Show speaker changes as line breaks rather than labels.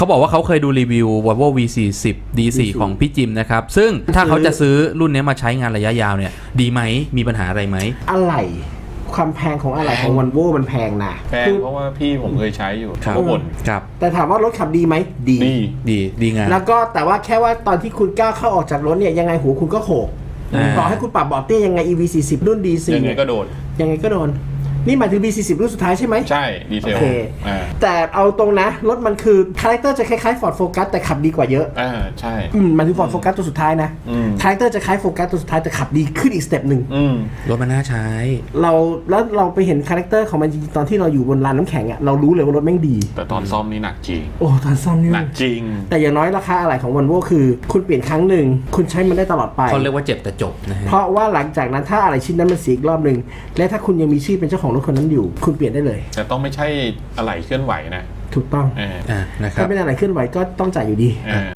เขาบอกว่าเขาเคยดูรีวิว Volvo V40 D4 ของพี่จิมนะครับซึ่งถ้าเขาจะซื้อรุ่นนี้มาใช้งานระยะยาวเนี่ยดีไหมมีปัญหาอะไรไหม
อะไหล่ความแพงของอะไหล่ของวันโวมันแพงนะ
แพงเพราะว่าพี่ผมเคยใช้อยู่
ครับ
เขาบ่น
ครับ
แต่ถามว่ารถขับดีไหมดี
ดีงาน
แล้วก็แต่ว่าแค่ว่าตอนที่คุณก้าวเข้าออกจากรถเนี่ยยังไงหูคุณก็โขกต่อให้คุณปรับเบาะเตี้ยยังไง EV40 รุ่น D4
ยังไงก็โดน
ยังไงก็โดนนี่หมายถึง B40 รุ่นสุดท้ายใช่ไหม
ใช่ดีเซ
โอ
ล
เค แต่เอาตรงนะรถมันคือคาแรคเตอร์จะคล้ายๆ Ford Focus แต่ขับดีกว่าเยอะ
ใช่
มันคือ Ford Focus ตัวสุดท้ายนะคาแรคเตอร์จะคล้าย Focus ตัวสุดท้ายแต่ขับดีขึ้นอีกสเต็ปหนึ่ง
รถมันน่าใช้
แล้วเราไปเห็นคาแรคเตอร์ของมันจริงๆตอนที่เราอยู่บนลานน้ำแข็งอะเรารู้เลยว่ารถแม่งดี
แต่ตอนซ่อมนี่หนักจริง
โอ้ตอนซ่อมนี่
หนักจริง
แต่อย่างน้อยราคาอะไหล่ของ Volvo คือคุณเปลี่ยนครั้งหนึ่งคุณใช้มันได้ตลอดไป
เขาเรียกว่าเจ็บแต่จบนะฮะ
เพราะว่าหลังจากนั้นถ้าอะไรชิ้นนั้นมันเสียอีกรอบหนึ่งและถ้าคุณยังมีชื่อเป็นเจ้าของรถคนนั้นอยู่คุณเปลี่ยนได้เลย
แต่ต้องไม่ใช่อะไหล่เคลื่อนไหวนะ
ถูกต้อง
นะครับ
ถ้าไม่ได้อะไรเคลื่อนไหวก็ต้องจ่ายอยู่ดี